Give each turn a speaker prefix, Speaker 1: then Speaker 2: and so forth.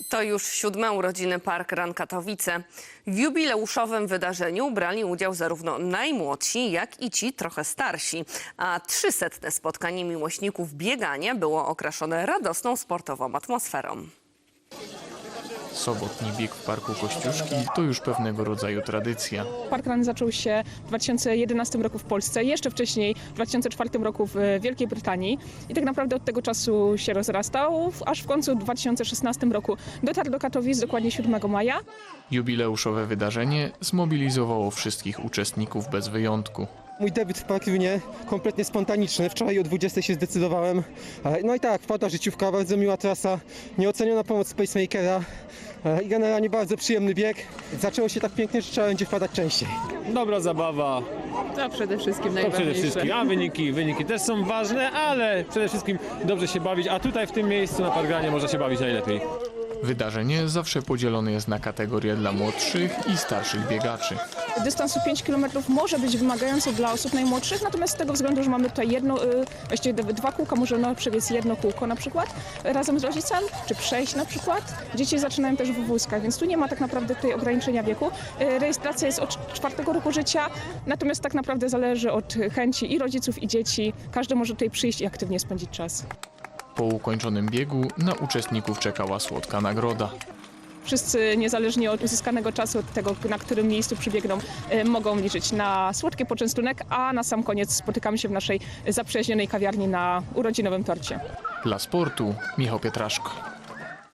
Speaker 1: To już 7. urodziny Park Run Katowice. W jubileuszowym wydarzeniu brali udział zarówno najmłodsi, jak i ci trochę starsi. A 300. spotkanie miłośników biegania było okraszone radosną sportową atmosferą.
Speaker 2: Sobotni bieg w Parku Kościuszki to już pewnego rodzaju tradycja.
Speaker 3: Park Run zaczął się w 2011 roku w Polsce, jeszcze wcześniej w 2004 roku w Wielkiej Brytanii i tak naprawdę od tego czasu się rozrastał, aż w końcu w 2016 roku dotarł do Katowic, dokładnie 7 maja.
Speaker 2: Jubileuszowe wydarzenie zmobilizowało wszystkich uczestników bez wyjątku.
Speaker 4: Mój debiut w Parkrunie kompletnie spontaniczny. Wczoraj o 20 się zdecydowałem. No i tak, wpadła życiówka, bardzo miła trasa, nieoceniona pomoc Spacemakera i generalnie bardzo przyjemny bieg. Zaczęło się tak pięknie, że trzeba będzie wpadać częściej.
Speaker 5: Dobra zabawa,
Speaker 3: To przede wszystkim
Speaker 5: to
Speaker 3: najważniejsze.
Speaker 5: przede wszystkim, a wyniki też są ważne, ale przede wszystkim dobrze się bawić, a tutaj w tym miejscu na Parkranie można się bawić najlepiej.
Speaker 2: Wydarzenie zawsze podzielone jest na kategorie dla młodszych i starszych biegaczy.
Speaker 3: Dystansu 5 km może być wymagający dla osób najmłodszych, natomiast z tego względu, że mamy tutaj właściwie 2 kółka, możemy przebiec 1 kółko na przykład razem z rodzicem, czy przejść na przykład. Dzieci zaczynają też w wózkach, więc tu nie ma tak naprawdę tutaj ograniczenia wieku. Rejestracja jest od 4 roku życia, natomiast tak naprawdę zależy od chęci i rodziców, i dzieci. Każdy może tutaj przyjść i aktywnie spędzić czas.
Speaker 2: Po ukończonym biegu na uczestników czekała słodka nagroda.
Speaker 3: Wszyscy, niezależnie od uzyskanego czasu, od tego, na którym miejscu przybiegną, mogą liczyć na słodki poczęstunek, a na sam koniec spotykamy się w naszej zaprzyjaźnionej kawiarni na urodzinowym torcie.
Speaker 2: Dla sportu Michał Pietraszko.